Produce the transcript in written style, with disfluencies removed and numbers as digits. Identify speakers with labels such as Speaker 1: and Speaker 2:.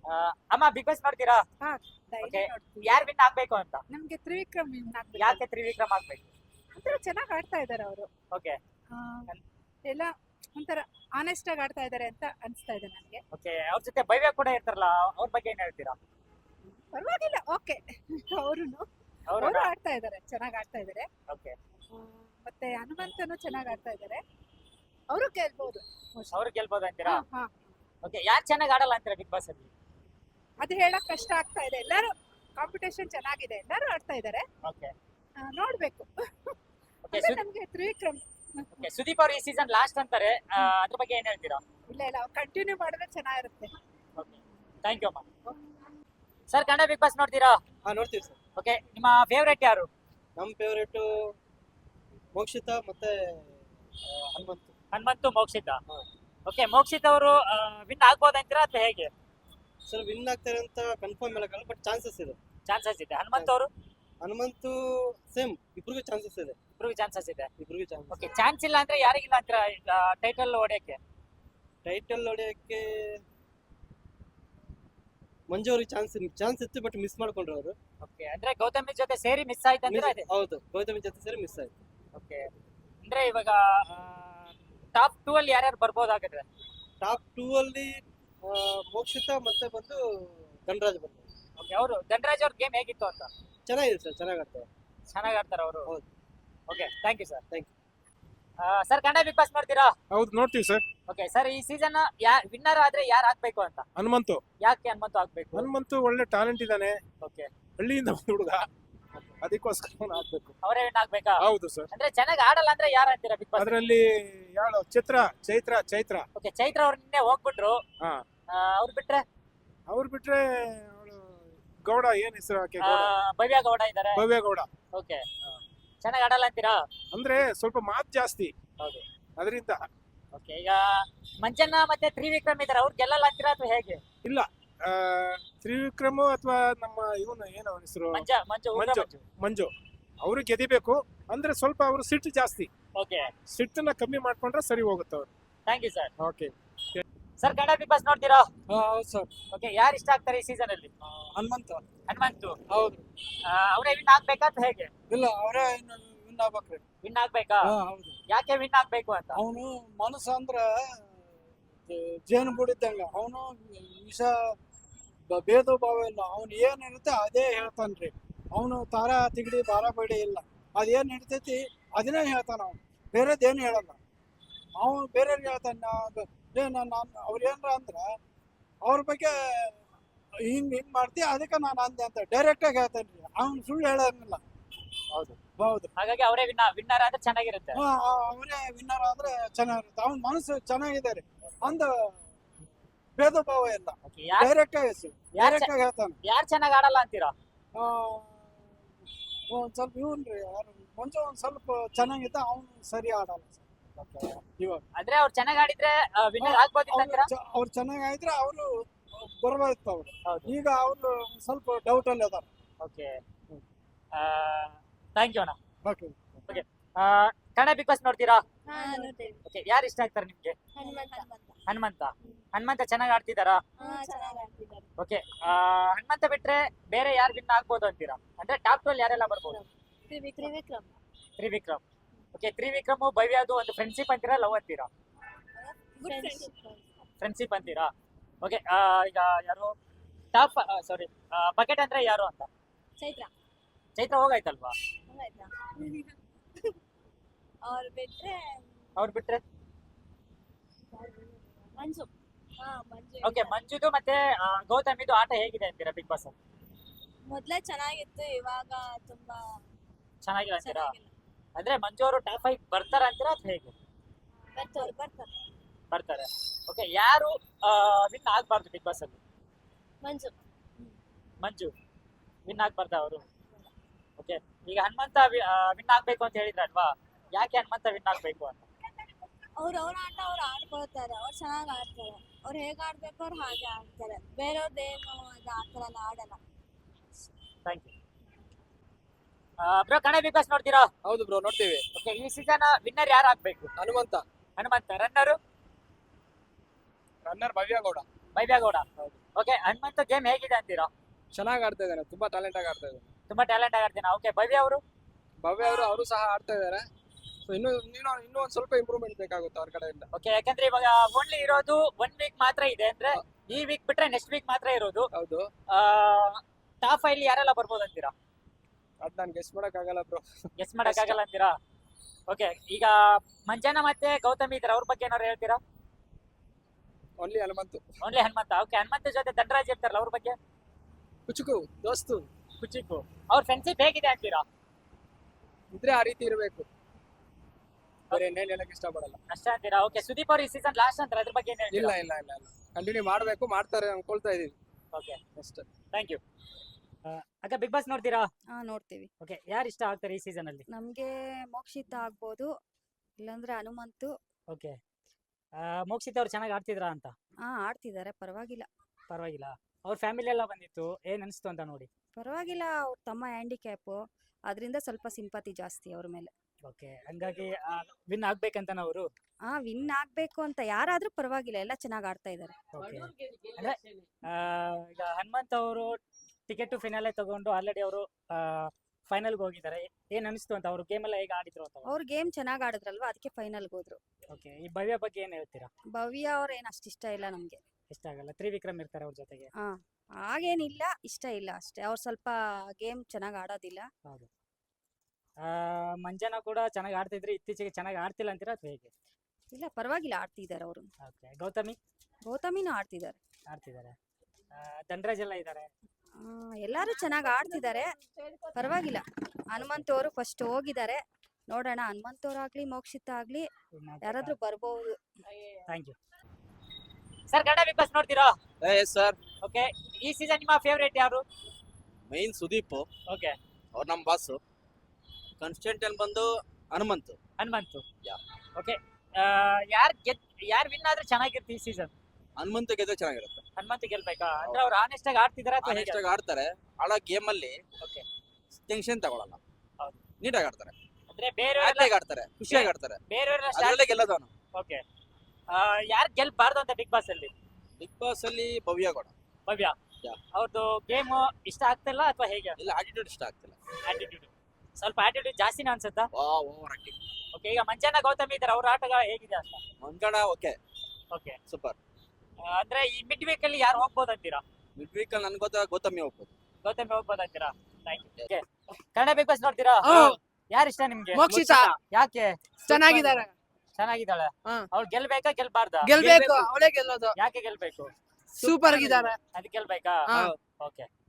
Speaker 1: ಅಮ್ಮ big Boss ನೋಡ್ತೀರಾ?
Speaker 2: ಹಾ, daily
Speaker 1: Okay.
Speaker 2: ನೋಡ್ತೀವಿ.
Speaker 1: ಯಾರ್ ವಿನ್ ಆಗ್ಬೇಕು ಅಂತ?
Speaker 2: ನಮ್ಗೆ ತ್ರಿವಿಕ್ರಮ್ win ಆಗ್ಬೇಕು.
Speaker 1: ಯಾಕೆ ತ್ರಿವಿಕ್ರಮ್ ಆಗ್ಬೇಕು?
Speaker 2: ಒಂಥರ ಚೆನ್ನಾಗಿ ಆಡ್ತಾ ಇದಾರೆ ಅವರು.
Speaker 1: ಓಕೆ
Speaker 2: ಎಲ್ಲ ಒಂಥರ ಆನೆಸ್ಟ್ ಆಗಿ ಆಡ್ತಾ ಇದಾರೆ ಅಂತ ಅನ್ಸ್ತಾ ಇದೆ ನನಗೆ.
Speaker 1: ಓಕೆ, ಅವ್ರ ಜೊತೆ ಭವ್ಯ ಕೂಡ ಇರ್ತಾರಲ್ಲ, ಅವ್ರ ಬಗ್ಗೆ ಏನ್ ಹೇಳ್ತೀರಾ?
Speaker 2: ಪರವಾಗಿಲ್ಲ, ಓಕೆ. ಅವರು
Speaker 1: ಅವರು
Speaker 2: ಆಡ್ತಾ ಇದಾರೆ, ಚೆನ್ನಾಗಿ ಆಡ್ತಾ ಇದಾರೆ.
Speaker 1: ಓಕೆ,
Speaker 2: ಮತ್ತೆ ಹನುಮಂತನು ಚೆನ್ನಾಗಿ ಆಡ್ತಾ ಇದಾರೆ. ಅವರು ಗೆಲ್ಬಹುದು.
Speaker 1: ಅವ್ರು ಗೆಲ್ಬೋದು ಅಂತೀರಾ?
Speaker 2: ಹಾ,
Speaker 1: ಓಕೆ, ಯಾರು ಚೆನ್ನಾಗಿ ಆಡಲ್ಲ ಅಂತೀರಾ ಬಿಗ್ ಬಾಸ್ ಅಲ್ಲಿ?
Speaker 2: ಅದು ಹೇಳಕ್ ಕಷ್ಟ ಆಗ್ತಾ ಇದೆ. ಎಲ್ಲರೂ ಕಾಂಪಿಟೇಷನ್ ಚೆನ್ನಾಗಿದೆ, ಎಲ್ಲರೂ ಆಡ್ತಾ ಇದಾರೆ.
Speaker 1: ಓಕೆ
Speaker 2: ನೋಡ್ಬೇಕು.
Speaker 1: ಓಕೆ,
Speaker 2: ಅಂದ್ರೆ ನಮ್ಗೆ ತ್ರಿವಿಕ್ರಮ್
Speaker 1: ಓಕೆ, ಸುದೀಪ್ ಅವ್ರು ಈ ಸೀಸನ್ ಲಾಸ್ಟ್ ಅಂತಾರೆ, ಅದ್ರ ಬಗ್ಗೆ ಏನ್ ಹೇಳ್ತೀರಾ?
Speaker 2: ಇಲ್ಲ ಅವ್ರು ಕಂಟಿನ್ಯೂ ಮಾಡಿದ್ರೆ ಚೆನ್ನಾಗಿರುತ್ತೆ.
Speaker 1: ಓಕೆ, ಥ್ಯಾಂಕ್ ಯು ಅಮ್ಮ. ಸರ್, ಕನ್ನಡ ಬಿಗ್ ಬಾಸ್ ನೋಡ್ತೀರಾ?
Speaker 3: ಹಾ, ನೋಡ್ತೀವಿ ಸರ್.
Speaker 1: ಓಕೆ, ನಿಮ್ಮ ಫೇವ್ರೇಟ್ ಯಾರು?
Speaker 3: ನಮ್ಮ ಫೇವ್ರೇಟು ಮೋಕ್ಷಿತಾ ಮತ್ತೆ ಹನುಮಂತು.
Speaker 1: ಹನುಮಂತು, ಮೋಕ್ಷಿತ.
Speaker 3: ಹಾ.
Speaker 1: ಓಕೆ, ಮೋಕ್ಷಿತ್ ಅವರು ವಿನ್ ಆಗ್ಬೋದು ಅಂತೀರಾ ಅಥವಾ ಹೇಗೆ?
Speaker 3: ಸರ್ ವಿನ್ ಆಗ್ತಾರೆ ಅಂತ ಕನ್ಫರ್ಮ್ ಹೇಳಕ್ಕಲ್ಲ, ಬಟ್ ಚಾನ್ಸಸ್ ಇದೆ.
Speaker 1: ಚಾನ್ಸಸ್ ಇದೆ. ಹನುಮಂತ್ ಅವರು
Speaker 3: ಹನುಮಂತು ಸೇಮ್, ಇಬ್ರಿಗೂ ಚಾನ್ಸಸ್ ಇದೆ.
Speaker 1: ಇಬ್ರಿಗೂ ಚಾನ್ಸಸ್ ಇದೆ.
Speaker 3: ಇಬ್ರಿಗೂ ಚಾನ್ಸಸ್.
Speaker 1: ಓಕೆ, ಚಾನ್ಸ್ ಇಲ್ಲ ಅಂದ್ರೆ ಯಾರಿಗಿಲ್ಲ ಅಂತೀರಾ ಟೈಟಲ್ ಹೊಡೆಯಕ್ಕೆ?
Speaker 3: ಟೈಟಲ್ ಹೊಡೆಯಕ್ಕೆ ಮಂಜು ಅವ್ರಿಗೆ ಚಾನ್ಸ್ ಇತ್ತು, ಬಟ್ ಮಿಸ್ ಮಾಡ್ಕೊಂಡ್ರು ಅವರು.
Speaker 1: ಓಕೆ, ಅಂದ್ರೆ ಗೌತಮಿ ಜೊತೆ ಸೇರಿ ಮಿಸ್ ಆಯ್ತು ಅಂದ್ರೆ ಅದೇ.
Speaker 3: ಹೌದು, ಗೌತಮಿ ಜೊತೆ ಸೇರಿ ಮಿಸ್ ಆಯ್ತು.
Speaker 1: ಓಕೆ, ಅಂದ್ರೆ ಇವಾಗ ಟಾಪ್ 2 ಅಲ್ಲಿ ಯಾರ್ಯಾರು ಬರ್ಬೋದಾಗಿದ್ರೆ?
Speaker 3: ಟಾಪ್ 2 ಅಲ್ಲಿ ಮೋಕ್ಷಿತಾ ಮತ್ತೆ ಬಂದು ಧನರಾಜ್ ಬಂದು.
Speaker 1: ಓಕೆ, ಅವರು ಧನರಾಜ್ ಅವ್ರ ಗೇಮ್ ಹೇಗಿತ್ತು ಅಂತ?
Speaker 3: ಚೆನ್ನಾಗಿದೆ ಸರ್, ಚೆನ್ನಾಗಿ ಆಡ್ತಾರೆ.
Speaker 1: ಚೆನ್ನಾಗಿ ಆಡ್ತಾರೆ ಅವರು.
Speaker 3: ಹೌದು.
Speaker 1: Okay, thank you sir.
Speaker 3: Thank
Speaker 1: sir, Kannada Bigg Boss ನೋಡ್ತೀರಾ?
Speaker 4: ಹೌದು, ನೋಡ್ತೀವಿ ಸರ್.
Speaker 1: ಓಕೆ ಸರ್, ಈ ಸೀಸನ್ ವಿನ್ನರ್ ಆದ್ರೆ ಯಾರು ಆಗ್ಬೇಕು ಅಂತ?
Speaker 4: ಹನುಮಂತು.
Speaker 1: ಯಾಕೆ ಹನುಮಂತು ಆಗ್ಬೇಕು?
Speaker 4: ಹನುಮಂತು ಒಳ್ಳೆ ಟ್ಯಾಲೆಂಟ್ ಇದ್ದಾನೆ.
Speaker 1: ಓಕೆ,
Speaker 4: ಹಳ್ಳಿಯಿಂದ ಬಂದ ಹುಡುಗ, ಅದಕ್ಕೋಸ್ಕರ ಅವ್ನು ಆಗ್ಬೇಕು.
Speaker 1: ಅವರೇ ವಿನ್ ಆಗ್ಬೇಕಾ?
Speaker 4: ಹೌದು ಸರ್.
Speaker 1: ಅಂದ್ರೆ ಚೆನ್ನಾಗಿ ಆಡಲ್ಲ ಅಂದ್ರೆ ಯಾರು ಅಂತೀರಾ ಬಿಗ್ ಬಾಸ್?
Speaker 4: ಅದರಲ್ಲಿ ಯಾಳು ಚೈತ್ರ.
Speaker 1: ಓಕೆ, ಚೈತ್ರ ಅವ್ರು ನಿನ್ನೆ ಹೋಗ್ಬಿಟ್ರು.
Speaker 4: ಹಾ,
Speaker 1: ಅವ್ರು ಬಿಟ್ರೆ
Speaker 4: ಅವ್ರು ಬಿಟ್ರೆ ಅವಳು ಗೌಡ, ಏನ್ ಹೆಸರು ಆಕೆ?
Speaker 1: ಭವ್ಯ ಗೌಡ ಇದಾರೆ.
Speaker 4: ಭವ್ಯ ಗೌಡ.
Speaker 1: ಓಕೆ, ಚೆನ್ನಾಗಿ ಆಡಲ್ಲ ಅಂತೀರಾ?
Speaker 4: ಅಂದ್ರೆ ಸ್ವಲ್ಪ ಮಾತು ಜಾಸ್ತಿ,
Speaker 1: ಹೌದು.
Speaker 4: ಅದರಿಂದ.
Speaker 1: ಓಕೆ, ಈಗ ಮಂಜಣ್ಣ ಮತ್ತೆ ತ್ರಿವಿಕ್ರಮ್ ಇದಾರೆ, ಅವ್ರು ಗೆಲ್ಲಲ್ಲ ಅಂತೀರಾ ಅಥವಾ ಹೇಗೆ?
Speaker 4: ಇಲ್ಲ, ತ್ರಿವಿಕ್ರಮ್ ಅಥವಾ ನಮ್ಮ ಇವನು ಏನೋ ಹೆಸರು, ಮಂಜು ಅವರು ಗೆದಿಬೇಕು. ಅಂದ್ರೆ ಸ್ವಲ್ಪ ಅವರು ಸಿಟ್ಟು ಜಾಸ್ತಿ.
Speaker 1: ಓಕೆ,
Speaker 4: ಸಿಟ್ಟನ್ನ ಕಮ್ಮಿ ಮಾಡ್ಕೊಂಡ್ರೆ ಸರಿ ಹೋಗುತ್ತೆ ಅವ್ರು.
Speaker 1: Thank you sir.
Speaker 4: Okay
Speaker 1: sir, Kannada Bigg Boss ನೋಡ್ತೀರಾ?
Speaker 3: ಹೌದು ಸರ್.
Speaker 1: ಓಕೆ, ಯಾರು ಇಷ್ಟ ಆಗ್ತಾರೆ ಈ ಸೀಸನ್ ಅಲ್ಲಿ?
Speaker 3: ಹನುಮಂತು.
Speaker 1: ಹನುಮಂತು.
Speaker 3: ಹೌದು.
Speaker 1: ಅವರೇ ವಿನ್ ಆಗ್ಬೇಕಾ ಅಥವಾ ಹೇಗೆ?
Speaker 3: ಇಲ್ಲ, ಅವರೇ ವಿನ್ ಆಗ್ಬೇಕ್ರಿ.
Speaker 1: ವಿನ್ ಆಗ್ಬೇಕಾ?
Speaker 3: ಹೌದು.
Speaker 1: ಯಾಕೆ ವಿನ್ ಆಗ್ಬೇಕು ಅಂತ?
Speaker 3: ಅವನು ಮನಸ್ಸು ಅಂದ್ರ ಜೇನು ಬಿಡಿದ್ದಂಗ. ಅವನು ವಿಷ ಭೇದ ಭಾವ ಇಲ್ಲ. ಅವನು ಏನಿರುತ್ತೆ ಅದೇ ಹೇಳ್ತಾನ್ರಿ. ಅವನು ತಾರ ತಿಗಡಿ ಬಾರಾಬಡಿ ಇಲ್ಲ. ಅದೇನ್ ನಡಿತೈತಿ ಅದನ್ನೇ ಹೇಳ್ತಾನ. ಅವನು ಬೇರೆದೇನು ಹೇಳಲ್ಲ. ಅವನು ಬೇರೆಯವ್ರಿಗೆ ಹೇಳ್ತಾನ. ಅವ್ರು ಏನ್ರ ಅಂದ್ರ ಅವ್ರ ಬಗ್ಗೆ ಹಿಂಗ್ ಮಾಡ್ತಿ, ಅದಕ್ಕೆ ನಾನು ಅಂದೆ ಅಂತ ಡೈರೆಕ್ಟ್ ಆಗಿ ಹೇಳ್ತಾನ್ರಿ. ಅವ್ನು ಸುಳ್ಳು ಹೇಳಂಗಿಲ್ಲ.
Speaker 1: ಹೌದು.
Speaker 3: ಹೌದು.
Speaker 1: ಹಾಗಾಗಿ ಅವರೇ ವಿನ್ನರ್ ಆದ್ರೆ ಚೆನ್ನಾಗಿರುತ್ತೆ.
Speaker 3: ಅವರೇ ವಿನ್ನರ್ ಆದ್ರೆ ಚೆನ್ನಾಗಿರುತ್ತೆ. ಅವನ ಮನಸ್ಸು ಚೆನ್ನಾಗಿದೆ ರೀ. ಅಂದ ಭೇದ ಭಾವ ಇಲ್ಲ. ಡೈರೆಕ್ಟ್ ಆಗಿ ಹೇಳ್ತಾನೆ.
Speaker 1: ಯಾರು ಚೆನ್ನಾಗಿ ಆಡಲ್ಲ ಅಂತೀರಾ?
Speaker 3: ಒಂದ್ ಸ್ವಲ್ಪ ಇವನ್ರಿ ಮುಂಚೆ ಒಂದ್ ಸ್ವಲ್ಪ ಚೆನ್ನಾಗಿದ್ದ, ಅವನು ಸರಿ ಆಡಲ್ಲ ಇವಾಗ.
Speaker 1: ಅಂದ್ರೆ ಅವ್ರು ಚೆನ್ನಾಗಿ ಆಡಿದ್ರೆ ವಿನ್ನರ್ ಆಗ್ಬೋದಿತ್ತು ಅಂತೀರಾ?
Speaker 3: ಅವ್ರು ಚೆನ್ನಾಗಿ ಆಯ್ದ್ರೆ ಅವರು ಬರಬಾರ್ದು. ಅವ್ರು ಈಗ ಅವ್ರು ಸ್ವಲ್ಪ ಡೌಟ್ ಅಲ್ಲಿ ಅದಾರ.
Speaker 1: ಓಕೆ, ಥ್ಯಾಂಕ್ ಯು ಅಣ್ಣ.
Speaker 3: ಓಕೆ,
Speaker 1: ಕನ್ನಡ ಬಿಗ್ ಬಾಸ್ ನೋಡ್ತೀರಾ?
Speaker 5: ಹಾ, ನೋಡ್ತೇವೆ.
Speaker 1: ಓಕೆ, ಯಾರು ಇಷ್ಟ ಆಗ್ತಾರೆ ನಿಮ್ಗೆ? ಹನುಮಂತ ಚೆನ್ನಾಗಿ ಆಡ್ತಿದಾರಾ?
Speaker 5: ಚೆನ್ನಾಗಿ ಆಡ್ತಿದ್ದಾರೆ.
Speaker 1: ಓಕೆ, ಹನುಮಂತ ಬಿಟ್ರೆ ಬೇರೆ ಯಾರು ವಿನ್ ಆಗ್ಬೋದು ಅಂತೀರಾ? ಅಂದ್ರೆ ಟಾಪ್ 2 ಅಲ್ಲಿ ಯಾರೆಲ್ಲ ಬರ್ಬೋದು? ತ್ರಿವಿಕ್ರಮ್. ಓಕೆ, ತ್ರಿವಿಕ್ರಮ್ ಭವ್ಯದು ಒಂದು ಫ್ರೆಂಡ್ಶಿಪ್ ಅಂತೀರಾ, ಲವ್ ಅಂತೀರಾ? ಫ್ರೆಂಡ್ಶಿಪ್ ಅಂತೀರಾ? ಓಕೆ, ಈಗ ಯಾರು ಟಾಪ್ ಬಕೆಟ್ ಅಂದ್ರೆ ಯಾರು ಅಂತ? ಚೈತ್ರ ಹೋಗಾಯ್ತಲ್ವಾ? ಅವ್ರು ಬಿಟ್ರೆ
Speaker 5: ಮಂಜು.
Speaker 1: ಓಕೆ, ಮಂಜುದು ಮತ್ತೆ ಗೌತಮಿದು ಆಟ ಹೇಗಿದೆ ಅಂತೀರಾ ಬಿಗ್ ಬಾಸ್ ಅಲ್ಲಿ?
Speaker 5: ಮೊದ್ಲೇ ಚೆನ್ನಾಗಿತ್ತು, ಇವಾಗ ತುಂಬಾ
Speaker 1: ಚೆನ್ನಾಗಿಲ್ಲ ಅಂತೀರಾ? ಅಂದ್ರೆ ಮಂಜು ಅವರು ಟಾಪ್ 5 ಬರ್ತಾರ ಅಂತೀರಾ ಅಥವಾ ಹೇಗೆ? ಬರ್ತಾರೆ. ಓಕೆ, ಯಾರು ವಿನ್ ಆಗ್ಬಾರ್ದು ಬಿಗ್ ಬಾಸ್ ಅಲ್ಲಿ? ಮಂಜು ವಿನ್ ಆಗ್ಬಾರ್ದ ಅವರು? ಓಕೆ, ಈಗ ಹನುಮಂತ ವಿನ್ ಆಗ್ಬೇಕು ಅಂತ ಹೇಳಿದ್ರಲ್ವಾ, ಯಾಕೆ ಹನುಮಂತ ವಿನ್ ಆಗ್ಬೇಕು ಅಂತ?
Speaker 5: ಅವ್ರ ಆಟ ಅವ್ರು ಆಡ್ಕೊಳ್ತಾರೆ. ಅವ್ರು ಚೆನ್ನಾಗಿ ಆಡ್ತಾರೆ. ಅವ್ರು ಹೇಗ್ ಆಡ್ಬೇಕು ಅವ್ರು ಹಾಗೆ ಆಡ್ತಾರೆ. ಬೇರೆಯವ್ರದ್ದೇನು ಆಡ್ತಾರಲ್ಲ, ಆಡಲ್ಲ.
Speaker 1: Thank you bro. Kannada Bigg Boss ನೋಡ್ತೀರಾ?
Speaker 3: ಹೌದು ಬ್ರೋ, ನೋಡ್ತೀವಿ.
Speaker 1: ಓಕೆ, ಈ ಸೀಸನ್ ವಿನ್ನರ್ ಯಾರು ಆಗ್ಬೇಕು?
Speaker 3: Hanumantha.
Speaker 1: Runner?
Speaker 3: Runner Bhavya Gowda.
Speaker 1: Bhavya Gowda. Okay, Hanumantha game ಹೇಗಿದೆ ಅಂತೀರಾ?
Speaker 6: ಚೆನ್ನಾಗಿ ಆಡ್ತಾ ಇದ್ದಾನೆ, ತುಂಬಾ ಟ್ಯಾಲೆಂಟ್ ಆಗಿ ಆಡ್ತಾ ಇದ್ದಾನೆ.
Speaker 1: ತುಂಬಾ ಟ್ಯಾಲೆಂಟ್ ಆಡ್ತೀನ. ಓಕೆ, ಭವ್ಯ ಅವರು?
Speaker 6: ಭವ್ಯ ಅವರು ಸಹ ಆಡ್ತಾ ಇದ್ದಾರೆ. ಸೊ ಇನ್ನೂ ಒಂದ್ ಸ್ವಲ್ಪ ಇಂಪ್ರೂವ್ಮೆಂಟ್ ಬೇಕಾಗುತ್ತೆ ಅವ್ರ ಕಡೆಯಿಂದ.
Speaker 1: ಓಕೆ, ಯಾಕಂದ್ರೆ ಇವಾಗ ಓನ್ಲಿ ಇರೋದು 1 ವೀಕ್ ಮಾತ್ರ ಇದೆ, ಅಂದ್ರೆ ಈ ವೀಕ್ ಬಿಟ್ರೆ ನೆಕ್ಸ್ಟ್ ವೀಕ್ ಮಾತ್ರ ಇರೋದು.
Speaker 6: ಹೌದು,
Speaker 1: ಟಾಪ್ 5 ಯಾರೆಲ್ಲ ಬರ್ಬೋದು ಅಂತೀರಾ?
Speaker 6: ಅದ್ ನಾನು ಗೆಸ್ ಮಾಡಕ್ ಆಗಲ್ಲ ಬ್ರೋ.
Speaker 1: ಗೆಸ್ ಮಾಡಕ್ಕಾಗಲ್ಲ ಅಂತೀರಾ? ಓಕೆ, ಈಗ ಮಂಜಾನ ಮತ್ತೆ ಗೌತಮಿ ಇದ್ದಾರೆ, ಅವ್ರ ಬಗ್ಗೆ ಏನಾದ್ರು ಹೇಳ್ತೀರಾ?
Speaker 6: Only Hanumanthu.
Speaker 1: Only Hanumantha. Okay, Hanumantha ಜೊತೆ ಧನರಾಜ್ ಇರ್ತಾರಲ್ಲ, ಅವ್ರ ಬಗ್ಗೆ?
Speaker 6: ಕುಚುಕು ದೋಸ್ತು
Speaker 1: ಕುಚಿಕು. ಅವ್ರ ಫ್ರೆಂಡ್ಶಿಪ್ ಹೇಗಿದೆ ಅಂತೀರಾ?
Speaker 6: ಇದ್ರೆ ಆ ರೀತಿ ಇರಬೇಕು, ಬೇರೆ ಏನೇನ್ ಹೇಳಕ್ ಇಷ್ಟಪಡಲ್ಲ.
Speaker 1: ಅಷ್ಟೇ ಅಂತೀರಾ? ಓಕೆ, ಸುದೀಪ್ ಅವ್ರ ಈ ಸೀಸನ್ ಲಾಸ್ಟ್ ಅಂತಾರೆ, ಅದ್ರ ಬಗ್ಗೆ ಏನ್
Speaker 6: ಇಲ್ಲ
Speaker 1: ಹೇಳ್ತೀರಾ?
Speaker 6: ಇಲ್ಲ ಇಲ್ಲ ಇಲ್ಲ, ಕಂಟಿನ್ಯೂ ಮಾಡ್ಬೇಕು, ಮಾಡ್ತಾರೆ ಅನ್ಕೊಳ್ತಾ ಇದೀವಿ
Speaker 1: ಓಕೆ,
Speaker 6: ಅಷ್ಟೇ.
Speaker 1: Thank you. ಅಕ್ಕ, ಬಿಗ್ ಬಾಸ್ ನೋಡ್ತೀರಾ?
Speaker 7: ನೋಡ್ತೀವಿ.
Speaker 1: ಓಕೆ, ಯಾರು ಇಷ್ಟ ಆಗ್ತಾರೆ ಈ ಸೀಸನ್ ಅಲ್ಲಿ?
Speaker 7: ನಮ್ಗೆ ಮೋಕ್ಷಿತ ಆಗ್ಬೋದು, ಇಲ್ಲಾಂದ್ರೆ ಹನುಮಂತು.
Speaker 1: ಓಕೆ, ಮೋಕ್ಷಿತ್ ಅವ್ರು ಚೆನ್ನಾಗಿ ಆಡ್ತಿದ್ರಾ ಅಂತ?
Speaker 7: ಆಡ್ತಿದ್ದಾರೆ, ಪರವಾಗಿಲ್ಲ.
Speaker 1: ಪರವಾಗಿಲ್ಲ. ಅವ್ರ ಫ್ಯಾಮಿಲಿ ಎಲ್ಲ ಬಂದಿತ್ತು, ಏನ್ ಅನಿಸ್ತು ಅಂತ ನೋಡಿ?
Speaker 7: ಪರವಾಗಿಲ್ಲ, ಅವ್ರ ತಮ್ಮ ಹ್ಯಾಂಡಿಕ್ಯಾಪು, ಅದರಿಂದ ಸ್ವಲ್ಪ ಸಿಂಪತಿ ಜಾಸ್ತಿ ಅವ್ರ ಮೇಲೆ.
Speaker 1: ಓಕೆ, ಹಂಗಾಗಿ ವಿನ್ ಆಗ್ಬೇಕಂತ ಅವರು?
Speaker 7: ವಿನ್ ಆಗ್ಬೇಕು ಅಂತ ಯಾರಾದ್ರೂ ಪರವಾಗಿಲ್ಲ, ಎಲ್ಲ ಚೆನ್ನಾಗಿ ಆಡ್ತಾ ಇದ್ದಾರೆ.
Speaker 1: ಓಕೆ, ಅಂದ್ರೆ ಈಗ ಹನುಮಂತ್ ಅವರು ಟಿಕೆಟ್ ಫಿನಾಲೆ ತಗೊಂಡು ಆಲ್ರೆಡಿ ಅವರು ಫೈನಲ್ಗೆ ಹೋಗಿದ್ದಾರೆ. ಏನ್ ಅನಿಸ್ತು ಅಂತ? ಅವ್ರು ಗೇಮ್ ಎಲ್ಲ ಹೇಗೆ ಆಡಿದ್ರು ಅಂತ?
Speaker 7: ಅವ್ರ ಗೇಮ್ ಚೆನ್ನಾಗಿ ಆಡಿದ್ರಲ್ವಾ, ಅದಕ್ಕೆ ಫೈನಲ್ಗೆ ಹೋದ್ರು.
Speaker 1: ಓಕೆ, ಈ ಭವ್ಯ ಬಗ್ಗೆ ಏನ್ ಹೇಳ್ತೀರಾ?
Speaker 7: ಭವ್ಯ ಅವ್ರ ಏನ್ ಅಷ್ಟು ಇಷ್ಟ ಇಲ್ಲ ನಮ್ಗೆ.
Speaker 1: ಇಷ್ಟ ಆಗಲ್ಲ? ತ್ರಿವಿಕ್ರಮ್ ಇರ್ತಾರೆ ಅವ್ರ ಜೊತೆಗೆ?
Speaker 7: ಹಾಗೇನಿಲ್ಲ, ಇಷ್ಟ ಇಲ್ಲ ಅಷ್ಟೇ. ಅವ್ರು ಸ್ವಲ್ಪ ಗೇಮ್ ಚೆನ್ನಾಗಿ ಆಡೋದಿಲ್ಲ.
Speaker 1: ಹೌದು. ಮಂಜನ ಕೂಡ ಚೆನ್ನಾಗಿ ಆಡ್ತಿದ್ರೆ, ಇತ್ತೀಚೆಗೆ ಚೆನ್ನಾಗಿ ಆಡ್ತಿಲ್ಲ ಅಂತೀರಾ ಅಥವಾ ಹೇಗೆ?
Speaker 7: ಇಲ್ಲ, ಪರವಾಗಿಲ್ಲ, ಆಡ್ತಿದ್ದಾರೆ ಅವರು.
Speaker 1: ಓಕೆ,
Speaker 7: ಗೌತಮಿನೂ ಆಡ್ತಿದ್ದಾರೆ.
Speaker 1: ಧನರಾಜ್ ಎಲ್ಲ ಇದ್ದಾರೆ.
Speaker 7: ಎಲ್ಲಾರು ಚೆನ್ನಾಗಿ ಆಡ್ತಿದ್ದಾರೆ, ಪರವಾಗಿಲ್ಲ. ಹನುಮಂತ ಅವರು ಫಸ್ಟ್ ಹೋಗಿದ್ದಾರೆ, ನೋಡೋಣ. ಹನುಮಂತ ಅವ್ರಾಗ್ಲಿ ಮೋಕ್ಷಿತ ಆಗ್ಲಿ ಯಾರಾದ್ರೂ ಬರ್ಬೋದು.
Speaker 1: Thank you sir. Kannada Bigg Boss ನೋಡ್ತೀರಾ?
Speaker 8: ಸರ್.
Speaker 1: ಓಕೆ, ಈ ಸೀಸನ್ ನಿಮ್ಮ ಫೇವರೇಟ್ ಯಾರು?
Speaker 8: ಮೈನ್ ಸುದೀಪ್.
Speaker 1: ಓಕೆ,
Speaker 8: ಅವ್ರು ನಮ್ಮ ಬಾಸು. ಕನ್ಸ್ಟೆಂಟ್ ಬಂದು ಹನುಮಂತು.
Speaker 1: Yeah. ಓಕೆ, ಯಾರು ವಿನ್ ಆದ್ರೆ ಚೆನ್ನಾಗಿರುತ್ತೆ ಈ ಸೀಸನ್?
Speaker 8: ಹನುಮಂತು ಗೆದ್ರೆ ಚೆನ್ನಾಗಿರುತ್ತೆ.
Speaker 1: ಹನುಮಂತ ಗೆಲ್ಬೇಕಾ? ಅಂದ್ರೆ ಅವ್ರು ಆನೆಸ್ಟ್ ಆಗಿ ಆಡ್ತಿದಾರ ಅಥವಾ ಹೇಗೆ?
Speaker 8: ಆನೆಸ್ಟ್ ಆಡ್ತಾರೆ, ಆಡೋ ಗೇಮ್ ಅಲ್ಲಿ
Speaker 1: ಓಕೆ,
Speaker 8: ಟೆನ್ಷನ್ ತಗೊಳಲ್ಲ.
Speaker 1: ಹೌದು.
Speaker 8: ನೀಟಾಗಿ ಆಡ್ತಾರೆ,
Speaker 1: ಅಂದ್ರೆ ಬೇರೆ
Speaker 8: ಹ್ಯಾಪಿಯಾಗಿ ಆಡ್ತಾರೆ, ಖುಷಿಯಾಗಿ ಆಡ್ತಾರೆ.
Speaker 1: ಬೇರೆಯವರೆಲ್ಲ
Speaker 8: ಅದರಲ್ಲೇ ಗೆಲ್ಲೋದವನು.
Speaker 1: ಓಕೆ, ಯಾರು ಗೆಲ್ಬಾರ್ದು ಅಂತ ಬಿಗ್ ಬಾಸ್ ಅಲ್ಲಿ?
Speaker 8: ಬಿಗ್ ಬಾಸ್ ಅಲ್ಲಿ ಭವ್ಯ ಕೂಡ.
Speaker 1: ಭವ್ಯ.
Speaker 8: Yeah.
Speaker 1: ಅವ್ರದ್ದು ಗೇಮ್ ಇಷ್ಟ ಆಗ್ತಿಲ್ಲ ಅಥವಾ ಹೇಗೆ?
Speaker 8: ಇಲ್ಲ, ಆಟಿಟ್ಯೂಡ್ ಇಷ್ಟ ಆಗ್ತಿಲ್ಲ.
Speaker 1: ಆಟಿಟ್ಯೂಡ್ ಸ್ವಲ್ಪ ಆಟಿಟ್ಯೂಡ್ ಜಾಸ್ತಿನೇ ಅನ್ಸುತ್ತಾ?
Speaker 8: Over acting.
Speaker 1: ಓಕೆ, ಈಗ ಮಂಜಾನ ಗೌತಮಿ ಇದ್ದಾರೆ, ಅವ್ರ ಆಟ ಹೇಗಿದೆ ಅಂತ?
Speaker 8: ಮಂಗಣ ಓಕೆ,
Speaker 1: ಓಕೆ,
Speaker 8: ಸೂಪರ್.
Speaker 1: ಅಂದ್ರೆ ಈ ಮಿಡ್ ವೀಕ್ ಅಲ್ಲಿ ಯಾರು ಹೋಗ್ಬೋದು ಅಂತೀರಾ?
Speaker 8: ಮಿಡ್ ವೀಕ್ ಅಲ್ಲಿ ನನ್ಗೆ ಗೊತ್ತಾ ಗೌತಮಿ ಹೋಗ್ಬೋದು.
Speaker 1: ಗೌತಮಿ ಹೋಗ್ಬೋದು ಅಂತೀರಾ? Thank you. Okay, Kannada Bigg Boss ನೋಡ್ತೀರಾ? ಯಾರು ಇಷ್ಟ ನಿಮ್ಗೆ?
Speaker 2: ಮೋಕ್ಷಿತ.
Speaker 1: ಯಾಕೆ?
Speaker 2: ಚೆನ್ನಾಗಿದ್ದಾರೆ.
Speaker 1: ಚೆನ್ನಾಗಿದ್ದಾಳೆ.
Speaker 2: ಹಾ.
Speaker 1: ಅವ್ಳು ಗೆಲ್ಬೇಕಾ ಗೆಲ್ಬಾರ್ದಾ?
Speaker 2: ಗೆಲ್ಬೇಕು, ಅವಳೇ ಗೆಲ್ಲೋದು.
Speaker 1: ಯಾಕೆ ಗೆಲ್ಬೇಕು?
Speaker 2: ಸೂಪರ್ ಆಗಿದ್ದಾರೆ.
Speaker 1: ಅದಕ್ಕೆ ಗೆಲ್ಬೇಕಾ?
Speaker 2: ಹಾ.
Speaker 1: ಓಕೆ.